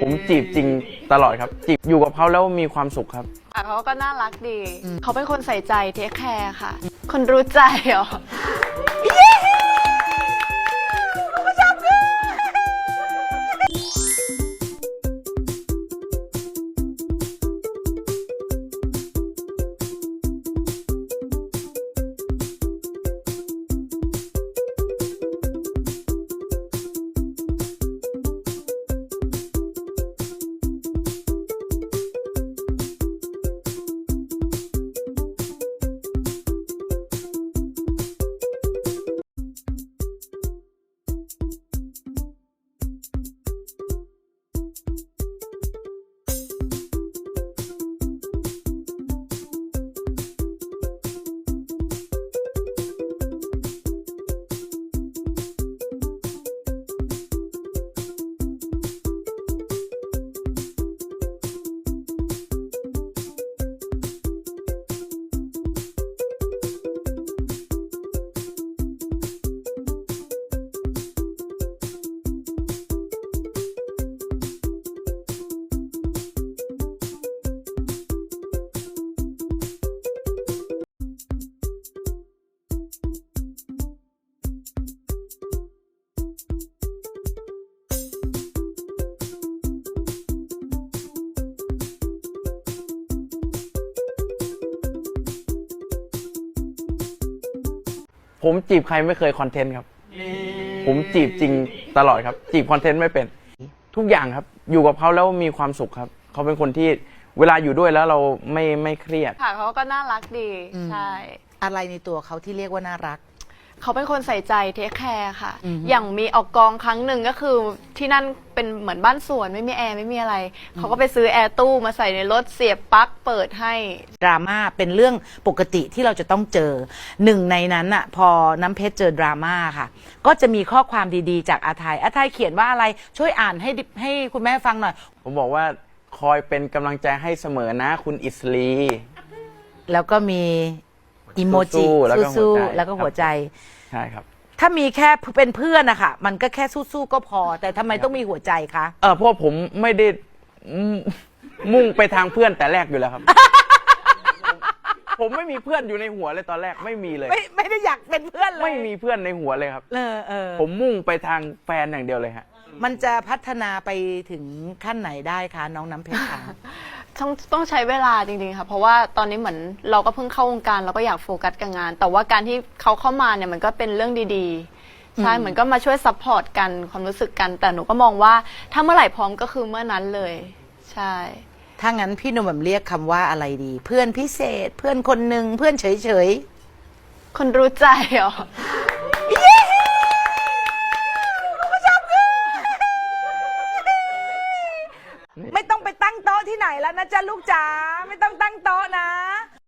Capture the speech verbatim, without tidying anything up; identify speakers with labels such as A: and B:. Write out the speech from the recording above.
A: ผมจีบจริงตลอดครับจีบอยู่กับเขาแล้วมีความสุขครับ
B: เขาก็น่ารักดีเขาเป็นคนใส่ใจเทคแคร์ค่ะคนรู้ใจเหรอ
A: ผมจีบใครไม่เคยคอนเทนต์ครับผมจีบจริงตลอดครับจีบคอนเทนต์ไม่เป็นทุกอย่างครับอยู่กับเขาแล้วมีความสุขครับเขาเป็นคนที่เวลาอยู่ด้วยแล้วเราไม่ไม่เครียด
B: ค่ะเขาก็น่ารักดีใช่
C: อะไรในตัวเขาที่เรียกว่าน่ารัก
B: เขาเป็นคนใส่ใจเทคแคร์ค่ะอย่างมีออกกองครั้งหนึ่งก็คือที่นั่นเป็นเหมือนบ้านสวนไม่มีแอร์ไม่มีอะไรเขาก็ไปซื้อแอร์ตู้มาใส่ในรถเสียบปลั๊กเปิดให้
C: ดราม่าเป็นเรื่องปกติที่เราจะต้องเจอหนึ่งในนั้นอะพอน้ำเพชรเจอดราม่าค่ะก็จะมีข้อความดีๆจากอาทัยอาทัยเขียนว่าอะไรช่วยอ่านให้ให้คุณแม่ฟังหน่อย
A: ผมบอกว่าคอยเป็นกำลังใจให้เสมอนะคุณอิสลี
C: แล้วก็มีอิโมจิสู้ๆแล้วก็หัวใจ
A: ใช่ครับ
C: ถ้ามีแค่เป็นเพื่อนอะค่ะมันก็แค่สู้ๆก็พอแต่ทำไมต้องมีหัวใจคะ
A: เออเพราะผมไม่ได้มุ่งไปทางเพื่อนแต่แรกอยู่แล้วครับ ผมไม่มีเพื่อนอยู่ในหัวเลยตอนแรกไม่มีเลย
C: ไม่ไม่ได้อยากเป็นเพื่อนเลย
A: ไม่มีเพื่อนในหัวเลยครับ
C: เออเออ
A: ผมมุ่งไปทางแฟนอย่างเดียวเลยฮะ
C: มันจะพัฒนาไปถึงขั้นไหนได้คะน้องน้ำเพชรคะ
B: ต้องต้องใช้เวลาจริงๆค่ะเพราะว่าตอนนี้เหมือนเราก็เพิ่งเข้าวงการเราก็อยากโฟกัสกับงานแต่ว่าการที่เขาเข้ามาเนี่ยมันก็เป็นเรื่องดีๆใช่เหมือนก็มาช่วยซัพพอร์ตกันความรู้สึกกันแต่หนูก็มองว่าถ้าเมื่อไหร่พร้อมก็คือเมื่อนั้นเลยใช่
C: ถ้างั้นพี่หนุ่มแบบเรียกคำว่าอะไรดี เพื่อนพิเศษเพื่อนคนหนึ่งเพื่อนเฉย
B: ๆคนรู้ใจเหรอ
C: ไม่ต้องไปตั้งโต๊ะที่ไหนแล้วนะจ๊ะลูกจ๋าไม่ต้องตั้งโต๊ะนะ